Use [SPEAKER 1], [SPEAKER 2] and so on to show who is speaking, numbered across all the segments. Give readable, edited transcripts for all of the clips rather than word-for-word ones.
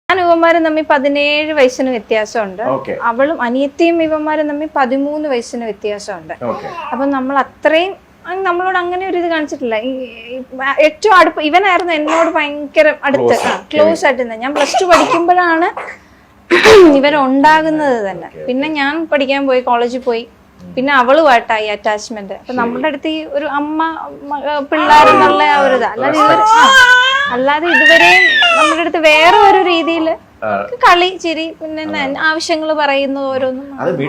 [SPEAKER 1] ഇവന്മാരും തമ്മിൽ 17 വയസ്സിന് വ്യത്യാസമുണ്ട്. അവളും അനിയത്തിയും ഇവന്മാരും തമ്മിൽ 13 വയസ്സിന് വ്യത്യാസമുണ്ട്. അപ്പൊ നമ്മൾ അത്രയും നമ്മളോട് അങ്ങനെ ഒരു ഇത് കാണിച്ചിട്ടില്ല. ഏറ്റവും അടുപ്പ് ഇവനായിരുന്നു എന്നോട് ഭയങ്കര അടുത്ത് ക്ലോസ് ആയിട്ട്. ഞാൻ +2 പഠിക്കുമ്പോഴാണ് ഇവരുണ്ടാകുന്നത് തന്നെ. പിന്നെ ഞാൻ പഠിക്കാൻ പോയി, കോളേജിൽ പോയി, പിന്നെ അവളുമായിട്ടായി അറ്റാച്ച്മെന്റ്. അപ്പൊ നമ്മുടെ അടുത്ത് ഈ ഒരു അമ്മ പിള്ളേരെന്നുള്ള ആ ഒരു ഇതാ. അല്ലാതെ ഇതുവരെയും നമ്മുടെ അടുത്ത് വേറെ ഒരു രീതിയിൽ കളി ചിരി പിന്നെ ആവശ്യങ്ങൾ പറയുന്നത് ഓരോന്നും.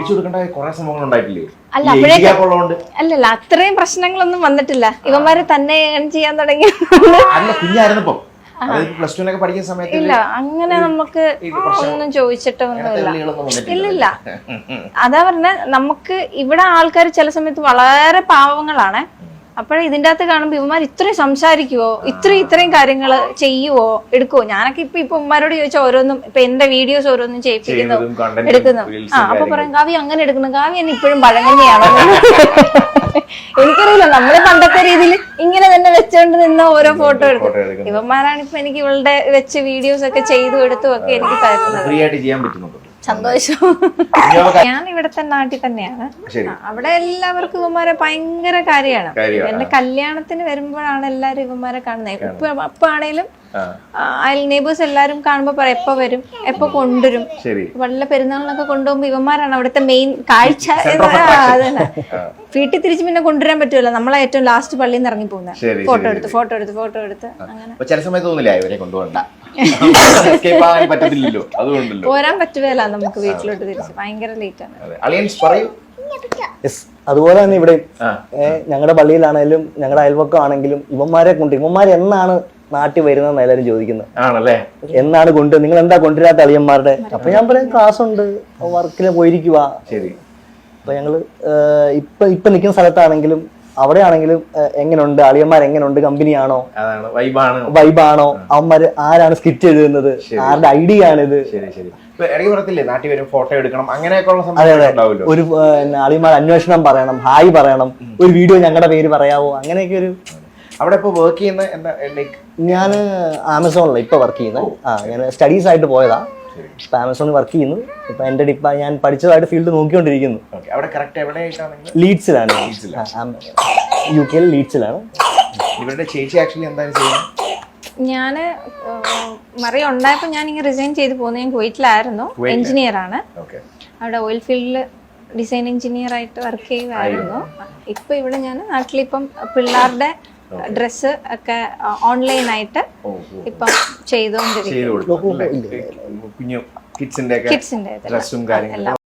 [SPEAKER 1] അല്ലല്ല അത്രയും പ്രശ്നങ്ങളൊന്നും വന്നിട്ടില്ല. ഇവന്മാര് തന്നെ ചെയ്യാൻ തുടങ്ങി. ഇല്ല അങ്ങനെ നമുക്ക് ഒന്നും ചോദിച്ചിട്ടൊന്നുമില്ല. ഇല്ലില്ല. അതാ പറഞ്ഞ നമുക്ക് ഇവിടെ ആൾക്കാർ ചില സമയത്ത് വളരെ പാവങ്ങളാണ്. അപ്പോഴേ ഇതിൻ്റെ അകത്ത് കാണുമ്പോ ഇവന്മാർ ഇത്രയും സംസാരിക്കുവോ, ഇത്രയും കാര്യങ്ങൾ ചെയ്യുവോ, എടുക്കുവോ. ഞാനൊക്കെ ഇപ്പൊ ഉമ്മാരോട് ചോദിച്ചാൽ ഓരോന്നും ഇപ്പൊ എന്റെ വീഡിയോസ് ഓരോന്നും ചെയ്യിപ്പിക്കുന്നു, എടുക്കുന്നു. അപ്പൊ പറയും കാവ്യ അങ്ങനെ എടുക്കണം, കാവ്യ എന്നെ ഇപ്പോഴും പഴങ്കഞ്ഞിയാണോ. എനിക്കറിയില്ല, നമ്മള് പണ്ടത്തെ രീതിയിൽ ഇങ്ങനെ തന്നെ വെച്ചോണ്ട് നിന്ന ഓരോ ഫോട്ടോ എടുക്കും. ഇവന്മാരാണ് ഇപ്പൊ എനിക്ക് ഇവളുടെ വെച്ച് വീഡിയോസ് ഒക്കെ ചെയ്തു എടുത്തും ഒക്കെ എനിക്ക് തരുന്നത്. സന്തോഷം. ഞാൻ ഇവിടത്തെ നാട്ടിൽ തന്നെയാണ്. അവിടെ എല്ലാവർക്കും ഇവന്മാരെ ഭയങ്കര കാര്യമാണ്. എന്റെ കല്യാണത്തിന് വരുമ്പോഴാണ് എല്ലാരും ഇവന്മാരെ കാണുന്നത്. ഇപ്പൊ ആണേലും അയൽ നെയ്ബേഴ്സ് എല്ലാരും കാണുമ്പോ പറയും എപ്പോ വരും, എപ്പോ കൊണ്ടുവരും. വല്ല പെരുന്നാളിനൊക്കെ കൊണ്ടുപോകുമ്പോ ഇവന്മാരാണ് അവിടുത്തെ മെയിൻ കാഴ്ച. അതന്നെ. വീട്ടിൽ തിരിച്ച് പിന്നെ കൊണ്ടുവരാൻ പറ്റുമല്ലോ, നമ്മളെ ഏറ്റവും ലാസ്റ്റ് പള്ളിയിൽ നിന്ന് ഇറങ്ങി പോകുന്നത്. ഫോട്ടോ എടുത്ത് അങ്ങനെ പോരാൻ പറ്റുകയല്ല നമുക്ക് വീട്ടിലോട്ട് തിരിച്ച്. ഭയങ്കര ലേറ്റ് ആണ്.
[SPEAKER 2] അതുപോലെ തന്നെ ഇവിടെ ഞങ്ങളുടെ പള്ളിയിലാണെങ്കിലും ഞങ്ങളുടെ അയൽവക്കം ആണെങ്കിലും ഇവന്മാർ എന്നാണ് നാട്ടിൽ വരുന്നതെന്ന് എല്ലാവരും ചോദിക്കുന്നത്. എന്നാണ് നിങ്ങൾ എന്താ കൊണ്ടുവരാത്ത അളിയന്മാരുടെ? അപ്പൊ ഞാൻ പറയും ക്ലാസ് ഉണ്ട്, വർക്കില് പോയിരിക്കുക. അപ്പൊ ഞങ്ങള് ഇപ്പൊ നിൽക്കുന്ന സ്ഥലത്താണെങ്കിലും അവിടെ ആണെങ്കിലും എങ്ങനെയുണ്ട് അളിയന്മാർ, എങ്ങനെയുണ്ട്, കമ്പനിയാണോ, വൈബാണോ, അവന്മാര് ആരാണ് സ്കിറ്റ് എഴുതുന്നത്, ആരുടെ ഐഡിയ ആണിത്. ഒരു അളിയന്മാർ അന്വേഷണം പറയണം, ഹായ് പറയണം, ഒരു വീഡിയോ ഞങ്ങളുടെ പേര് പറയാവോ, അങ്ങനെയൊക്കെ ഒരു.
[SPEAKER 3] അവിടെ ഇപ്പൊ വർക്ക് ചെയ്യുന്ന
[SPEAKER 2] ഞാൻ ആമസോണിലാണ് ഇപ്പൊ വർക്ക് ചെയ്യുന്നത്. ഞാൻ സ്റ്റഡീസ് ആയിട്ട് പോയതാ. ഇപ്പൊ ആമസോണിൽ വർക്ക് ചെയ്യുന്നു. ഇപ്പൊ എന്റെ ഞാൻ പഠിച്ചതായിട്ട് ഫീൽഡ് നോക്കിക്കൊണ്ടിരിക്കുന്നു. ലീഡ്സിലാണ്, UK ലീഡ്സിലാണ്.
[SPEAKER 3] ഇവരുടെ ചേച്ചി ആക്ച്വലി എന്താണ് ചെയ്യുന്നത്?
[SPEAKER 1] ഞാന് മറിയ ഉണ്ടായപ്പോ ഞാൻ ഇങ്ങനെ റിസൈൻ ചെയ്ത് പോകുന്നത്. ഞാൻ കുവൈറ്റിലായിരുന്നു, എഞ്ചിനീയർ ആണ്. അവിടെ ഓയിൽ ഫീൽഡില് ഡിസൈൻ എഞ്ചിനീയർ ആയിട്ട് വർക്ക് ചെയ്യുമായിരുന്നു. ഇപ്പൊ ഇവിടെ ഞാൻ നാട്ടിലിപ്പം പിള്ളേരുടെ ഡ്രസ്സ് ഒക്കെ ഓൺലൈനായിട്ട് ഇപ്പം ചെയ്തോണ്ടിരിക്കും.
[SPEAKER 3] കിഡ്സിന്റെ ഡ്രസ്സും കാര്യങ്ങളും